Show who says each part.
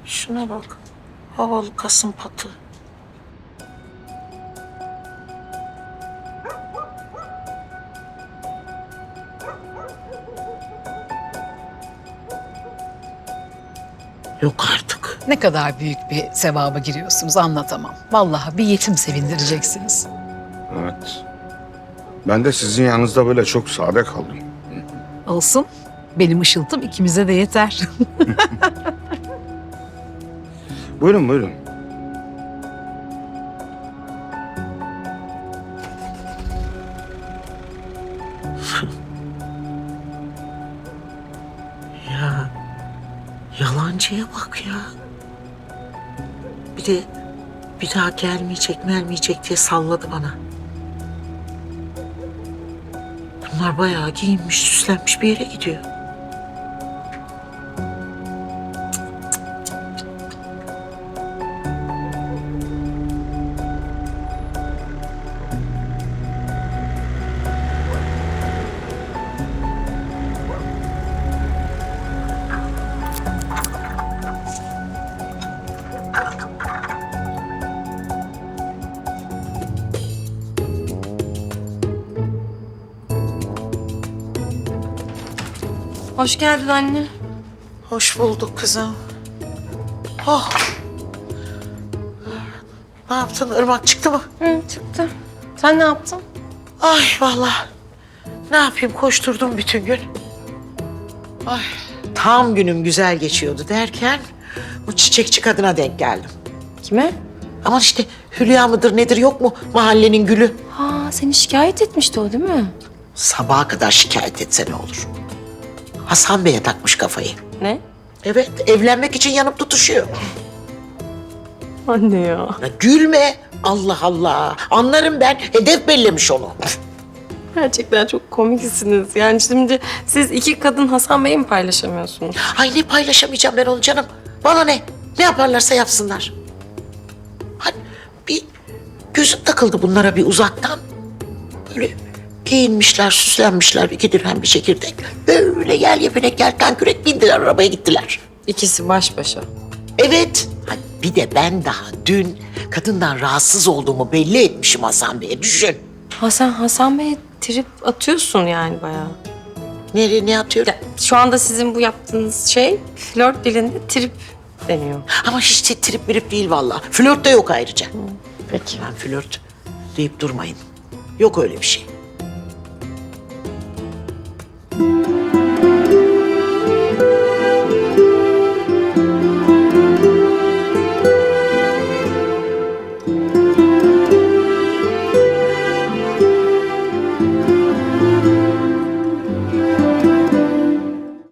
Speaker 1: Şuna bak. Havalı kasım patı. Yok artık.
Speaker 2: Ne kadar büyük bir sevaba giriyorsunuz anlatamam. Vallahi bir yetim sevindireceksiniz.
Speaker 3: Evet. Ben de sizin yanınızda böyle çok sade kaldım.
Speaker 2: Olsun. Benim ışıltım ikimize de yeter.
Speaker 3: Buyurun buyurun.
Speaker 1: Ya yalancıya bak ya. Bir de bir daha gelmeyecek diye salladı bana. Bunlar bayağı giyinmiş, süslenmiş bir yere gidiyor.
Speaker 4: Hoş geldin anne.
Speaker 1: Hoş bulduk kızım. Oh. Ne yaptın? Irmak çıktı mı?
Speaker 4: Hı, çıktı. Sen ne yaptın?
Speaker 1: Ay vallahi. Ne yapayım? Koşturdum bütün gün. Ay. Tam günüm güzel geçiyordu derken bu çiçekçi kadına denk geldim.
Speaker 4: Kime?
Speaker 1: Aman işte Hülya mıdır nedir yok mu mahallenin gülü?
Speaker 4: Ha, seni şikayet etmişti o değil mi?
Speaker 1: Sabaha kadar şikayet etse ne olur? Hasan Bey'e takmış kafayı.
Speaker 4: Ne?
Speaker 1: Evet, evlenmek için yanıp tutuşuyor.
Speaker 4: Anne ya.
Speaker 1: Ya gülme. Allah Allah. Anlarım ben. Hedef bellemiş onu.
Speaker 4: Gerçekten çok komiksiniz. Yani şimdi siz iki kadın Hasan Bey'i mi paylaşamıyorsunuz?
Speaker 1: Ay ne paylaşamayacağım ben onu canım. Bana ne? Ne yaparlarsa yapsınlar. Hani bir gözüm takıldı bunlara bir uzaktan. Böyle giyinmişler, süslenmişler. 2 dirhem bir çekirdek. Böyle yel yepenek yelken kürek bindiler arabaya gittiler.
Speaker 4: İkisi baş başa.
Speaker 1: Evet. Hani bir de ben daha dün kadından rahatsız olduğumu belli etmişim Hasan Bey'e. Düşün.
Speaker 4: Ha sen Hasan Bey'e trip atıyorsun yani bayağı.
Speaker 1: Nereye ne atıyor?
Speaker 4: Ya, şu anda sizin bu yaptığınız şey flört dilinde trip deniyor.
Speaker 1: Ama hiç de trip mirip değil vallahi. Flört de yok ayrıca.
Speaker 4: Peki.
Speaker 1: Ben flört deyip durmayın. Yok öyle bir şey.